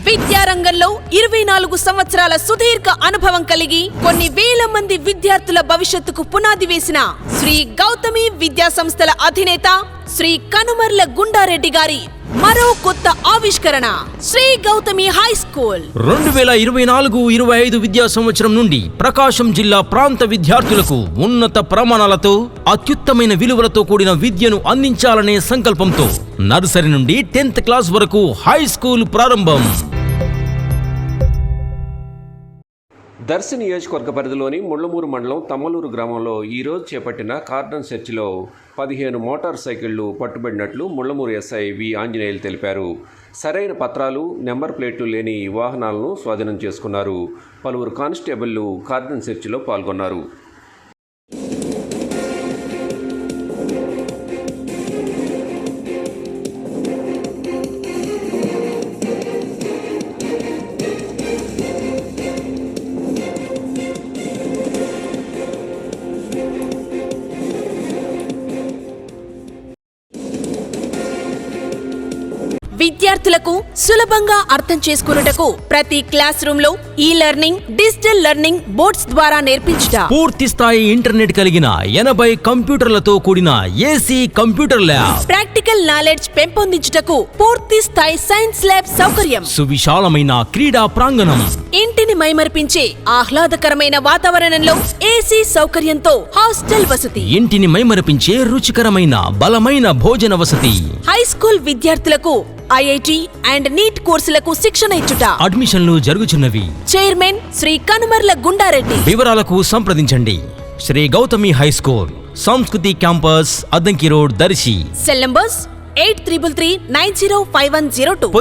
విద్యారంగంలో 24 సంవత్సరాల సుదీర్ఘ అనుభవం కలిగి కొన్ని వేల మంది విద్యార్థుల భవిష్యత్తుకు పునాది వేసిన శ్రీ గౌతమి విద్యా సంస్థల అధినేత శ్రీ కనుమర్ల గుండారెడ్డి గారి మరో కొత్త ఆవిష్కరణ శ్రీ గౌతమి హై స్కూల్ 2024-25 విద్యా సంవత్సరం నుండి ప్రకాశం జిల్లా ప్రాంత విద్యార్థులకు ఉన్నత ప్రమాణాలతో అత్యుత్తమైన విలువలతో కూడిన విద్యను అందించాలనే సంకల్పంతో నర్సరీ నుండి 10th క్లాస్ వరకు హై స్కూల్ ప్రారంభం. దర్శి నియోజకవర్గ పరిధిలోని ముళ్లమూరు మండలం తమ్మలూరు గ్రామంలో ఈరోజు చేపట్టిన కార్డన్ సెర్చ్లో 15 మోటార్ సైకిళ్లు పట్టుబడినట్లు ముళ్లమూరు ఎస్ఐ వి ఆంజనేయులు తెలిపారు. సరైన పత్రాలు, నెంబర్ ప్లేట్లు లేని వాహనాలను స్వాధీనం చేసుకున్నారు. పలువురు కానిస్టేబుళ్లు కార్డన్ సెర్చ్లో పాల్గొన్నారు. విద్యార్థులకు సులభంగా అర్థం చేసుకున్నటకు ప్రతి క్లాస్ రూమ్ లో ఈ లెర్నింగ్, డిజిటల్ లెర్నింగ్ బోర్డ్స్ ద్వారా నేర్పించుట, పూర్తి స్థాయి ఇంటర్నెట్ కలిగిన 80 కంప్యూటర్లతో కూడిన AC computer lab, practical knowledge పెంపొందించుటకు పూర్తి స్థాయి సైన్స్ ల్యాబ్ సౌకర్యం, సువిశాలమైన క్రీడా ప్రాంగణం, ఇంటిని మైమర్పించే ఆహ్లాదకరమైన వాతావరణంలో ఏసీ సౌకర్యంతో హాస్టల్ వసతి, ఇంటిని మైమరపించే రుచికరమైన బలమైన భోజన వసతి, హై స్కూల్ విద్యార్థులకు ఐఐటి అండ్ నీట్ కోర్సులకు శిక్షణ ఇచ్చుట. అడ్మిషన్లు జరుగుచున్నవి. చైర్మన్ శ్రీ కనుమర్ల గుండారెడ్డి. వివరాలకు సంప్రదించండి. Shri Gautami high school, Sanskriti campus, Addanki road, Darsi. Cell numbers 8333905102.